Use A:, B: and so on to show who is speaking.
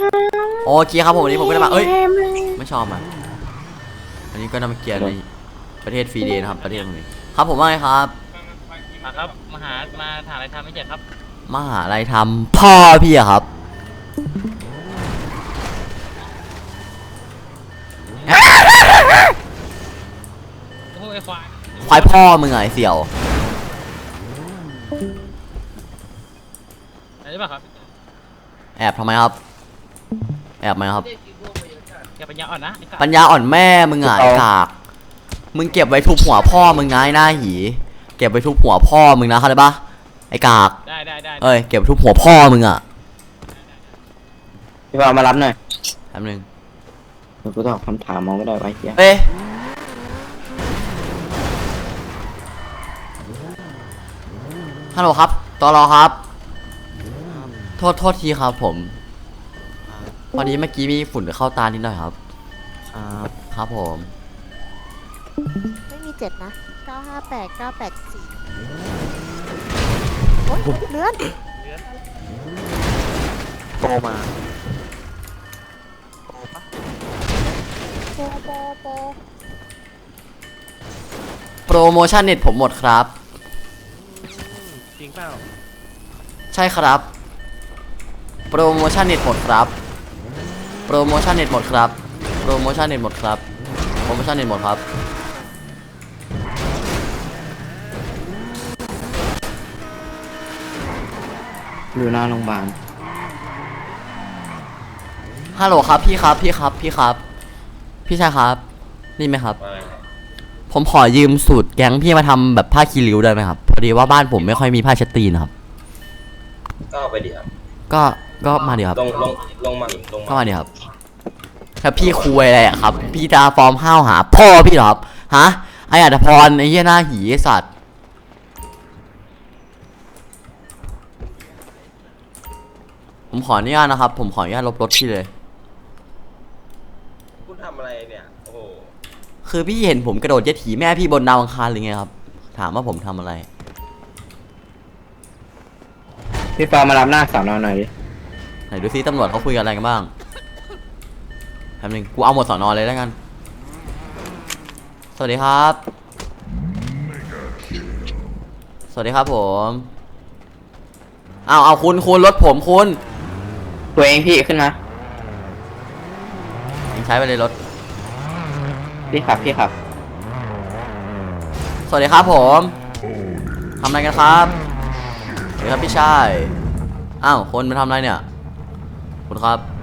A: โอเคครับผมวันนี้ผมก็ได้มาไม่ชอบมันอันนี้ก็นำมาเกียรติในประเทศฟรีเดย์นะครับประเทศนี้ครับผมว่าไงครับ
B: ครับมาหาอะไรทำไม่เจ็บครับ
A: มหาลัยทำพ่อพี่อะครับ
B: โอ้ย
A: ควายพ่อมึงไงเสี่ยว
B: อะไรบ้างครับ
A: แอบทำไมครับแอบไหมครับ
B: แกปัญญาอ่อนนะ
A: ปัญญาอ่อนแม่มึงไงกากมึงเก็บไว้ทุบหัวพ่อมึงนะไอ้หน้าหีเก็บไว้ทุบหัวพ่อมึงนะเข้าใจปะไอ้กาก
B: ได้
A: เอ้ยเก็บไว้ทุบหัวพ่อมึงอะ
C: พี่บอลมารับหน่อย
A: แป๊บนึง
C: เดี๋ยวกูตอบคำถามมองไม่ได้ไว้เหี้ย
A: ฮัลโหลครับตลอครับโทษทีครับผมพอดีเมื่อกี้มีฝุ่นเข้าตานิดหน่อยครับครับผม
D: ไม่มี7นะ958 984โอ๊ยเลื่อน
C: โตมา
A: โปรโมชั่นเน็ตผมหมดครับ
B: จริงเปล่า
A: ใช่ครับโปรโมชั่นเน็ตหมดครับโปรโมชั่นเน็ตหมดครับโปรโมชั่นเน็ตหมดครับโปรโมชั่นเน็ตหมดครับ
C: อยู่หน้าโรงพยาบาล
A: ฮัลโหลครับพี่ครับพี่ชายครับนี่ไหมครับผมขอยืมสูตรแก๊งพี่มาทำแบบผ้าคีริ้วได้ไหมครับพอดีว่าบ้านผมไม่ค่อยมีผ้าเช็ดตีนครับ
E: ก็ไปดิครับ
A: ก็มาดิครับ
E: ลงมา
A: ก็มาดิครับถ้าพี่คุยอะไรอะครับพี่จะฟอร์มห้าวหาพ่อพี่หรอครับฮะไอ้อัตพรไอ้เหี้ยหน้าหีไอ้สัตว์ผมขออนุญาตนะครับผมขออนุญาตลบรถพี่เลย
E: คุณทำอะไรเนี่ยโอ้โห
A: คือพี่เห็นผมกระโดดเจ็ตถีแม่พี่บนดาวอังคารหรือไงครับถามว่าผมทำอะไร
C: พี่ปอมารับหน้าสอนอหน่อยดิ
A: ไหนดูซิตำรวจเขาคุยกันอะไรกันบ้างแป๊บนึงกูเอาหมดสอนอเลยแล้วกันสวัสดีครับสวัสดีครับผมเอาคุณรถผมคุณ
C: ตัวเองพี่ขึ้นมา
A: ใช้ไปเลยรถ
C: พี่ขับ
A: สวัสดีครับผมทำอะไรกันครับสวัสดีครับพี่ชายคนมาทำอะไรเนี่ยคุณครับ